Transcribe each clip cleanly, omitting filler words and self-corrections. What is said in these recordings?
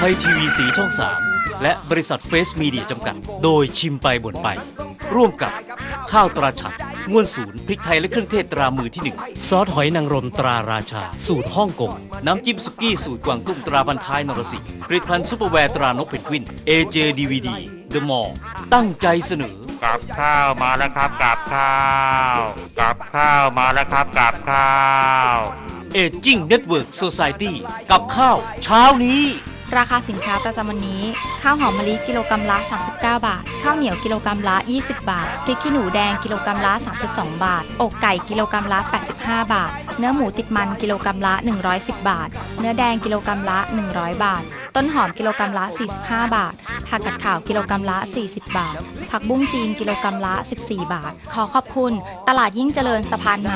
ยทีวีสีช่อง 3 และบริษัทเฟสมีเดียจำกัด โดยชิมไปบ่นไป ร่วมกับข้าวตราฉัดง่วนศูนย์พริกไทยและเครื่องเทศตรามือที่ 1 ซอสหอยนางรมตราราชา สูตรฮ่องกง น้ำจิ้มสุกี้สูตรกวางตุ้งตราพันท้ายนรสิงห์ผลิตภัณฑ์ซุปเปอร์แวร์ตรานกเพนกวิน AJ DVD The Mall ตั้งใจเสนอกับข้าวมาแล้วครับกับข้าวกับข้าวมาแล้วครับกับข้าว Aging Network Society กับข้าวเช้านี้ราคาสินค้าประจำวันนี้ข้าวหอมมะลิกิโลกรัมละ39 บาทข้าวเหนียวกิโลกรัมละ20 บาทพริกขี้หนูแดงกิโลกรัมละ32 บาทอกไก่กิโลกรัมละ85 บาทเนื้อหมูติดมันกิโลกรัมละ110 บาทเนื้อแดงกิโลกรัมละ100 บาทต้นหอมกิโลกรัมละ45 บาทผักกาดขาวกิโลกรัมละ40 บาทผักบุ้งจีนกิโลกรัมละ14 บาทขอขอบคุณตลาดยิ่งเจริญสะพานใหม่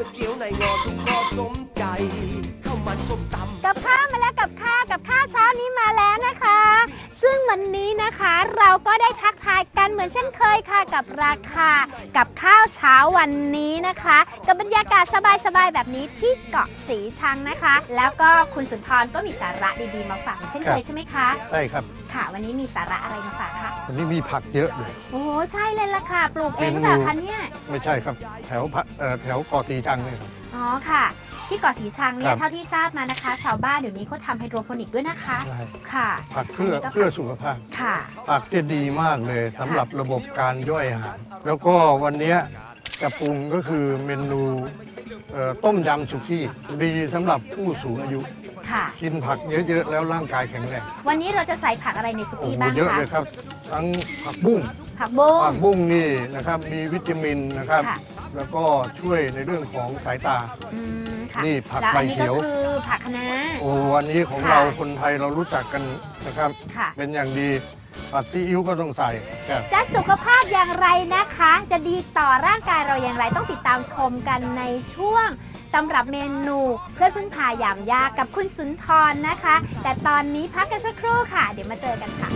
กับข้าวมาแล้วกับข้าวเช้านี้มาแล้วนะคะ ซึ่งวันนี้นะคะเราก็ได้ทักทายกันเหมือนเช่นเคยค่ะกับราคากับข้าวเช้าวันนี้นะคะกับบรรยากาศสบายๆแบบนี้ที่เกาะสีชังนะคะ แล้วก็คุณสุนทรก็มีสาระดีๆมาฝากเช่นเคยใช่ไหมคะใช่ครับค่ะวันนี้มีสาระอะไรมาฝากคะวันนี้มีผักเยอะเลยโอ้โหใช่เลยล่ะค่ะปลูกเองหรือเปล่าคะเนี่ยไม่ใช่ครับแถวเกาะสีชังเลยครับอ๋อค่ะที่เกาะสีชังเนี่ครัยบเท่าที่ทราบมานะคะ ชาวบ้านเดี๋ยวนี้เขาทำไฮโดรโปนิกด้วยนะคะใช่ค่ะผักเพื่อสุขภาพค่ะผักจะดีมากเลยสำหรับระบบการย่อยอาหาร แล้วก็วันนี้จะปรุงก็คือเมนูต้มยำสุกี้ดีสำหรับผู้สูงอายุค่ะกินผักเยอะๆแล้วร่างกายแข็งแรงวันนี้เราจะใส่ผักอะไรในสุโอ้กี้โหบ้างเยอะคะเลยครับ ทั้งผักบุ้งผักบุ้งผักบุ้งนี่นะครับมีวิตามินนะครับค่ะแล้วก็ช่วยในเรื่องของสายตาค่ะนี่ผักแล้วใบอันนี้เขียวก็คือผักคะน้าโอ้วันนี้ของค่ะเราคนไทยเรารู้จักกันนะครับค่ะเป็นอย่างดีผัดซีอิ๊วก็ต้องใส่ครับจะสุขภาพอย่างไรนะคะ จะดีต่อร่างกายเราอย่างไรต้องติดตามชมกันในช่วงสำหรับเมนูเพื่อนพึ่งพายามยากกับคุณสุนทรนะคะ แต่ตอนนี้พักกันสักครู่ค่ะ เดี๋ยวมาเจอกันค่ะ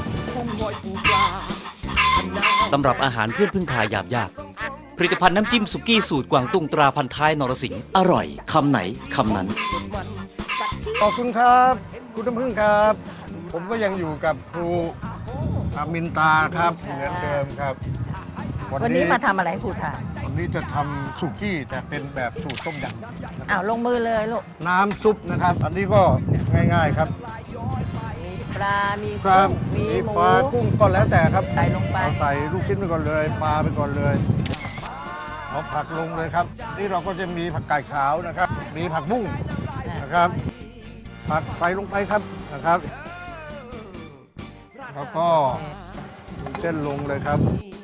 ตำรับอาหารเพื่อนพึ่งพายามยาก ผลิตภัณฑ์น้ำจิ้มสุกี้สูตรกวางตุ้งตราพันท้ายนรสิงห์อร่อยคำไหนคำนั้นขอบคุณครับคุณน้ำพึ่งครับ ผมก็ยังอยู่กับครูอามินตาครับเหมือนเดิมครับวันนี้มาทำอะไรครูทานวันนี้จะทำสุกี้แต่เป็นแบบสูตรต้มยำอ้าวลงมือเลยลูกน้ำซุปนะครับ อันนี้ก็ง่ายๆครับมีปลา มีครักุ้บงมีหมูปลากุ้งก็แล้วแต่ครับใส่ลงไปเราใส่ลูกชิ้นไปก่อนเลยปลาไปก่อนเลยเอาผักลงเลยครับ นี่เราก็จะมีผักกาดขาวนะครับ มีผักบุ้งนะครับ ผักใส่ลงไปครับนะครับ แล้วก็เส้นลงเลยครับ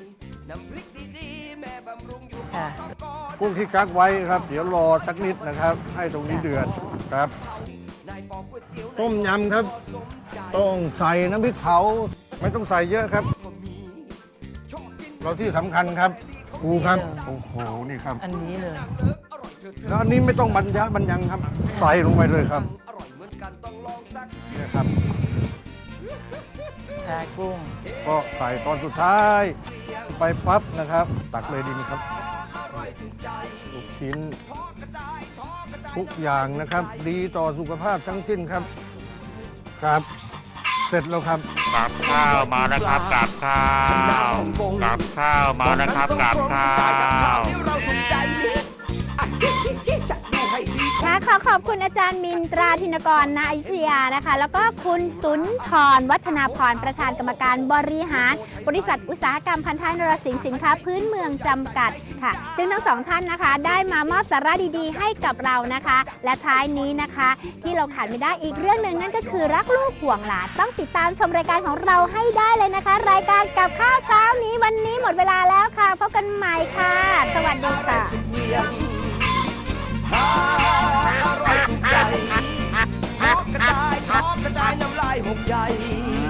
ค่ะกุ้งที่กักไว้ครับ เดี๋ยวรอสักนิดนะครับ ให้ตรงนี้เดือดครับ ต้มยำครับ ต้องใส่น้ำพริกเผาไม่ต้องใส่เยอะครับ เราที่สำคัญครับปูครับโอ้โหนี่ครับอันนี้เลยแล้วอันนี้ไม่ต้องบรรยังครับ ใส่ลงไปเลยครับนี่ครับชากุ้งก็ใส่ตอนสุดท้ายไปปั๊บนะครับ ตักเลยดีไหมครับลูกชิ้นทุกอย่างนะครับ ดีต่อสุขภาพทั้งสิ้นครับครับ เสร็จแล้วครับกับข้าวมาแล้วครับกับข้าวกับข้าวมาแล้วครับกับข้าวค่ะขอขอบคุณอาจารย์มินตราธินกรณอยุธยานะคะ แล้วก็คุณสุนทรวัฒนาพรประธานกรรมการบริหาร บริษัทอุตสาหกรรมพันท้ายนรสิงห์สินค้าพื้นเมืองจำกัดค่ะ ซึ่งทั้งสองท่านนะคะ ได้มามอบสาระดีๆ ให้กับเรานะคะ และท้ายนี้นะคะ ที่เราขาดไม่ได้อีกเรื่องหนึ่งนั่นก็คือรักลูกห่วงหลานต้องติดตามชมรายการของเราให้ได้เลยนะคะ รายการกับข้าวเช้านี้วันนี้หมดเวลาแล้วค่ะพบกันใหม่ค่ะ สวัสดีค่ะอร่อยถูกใจทอดกระจายน้ำลายหกใหญ่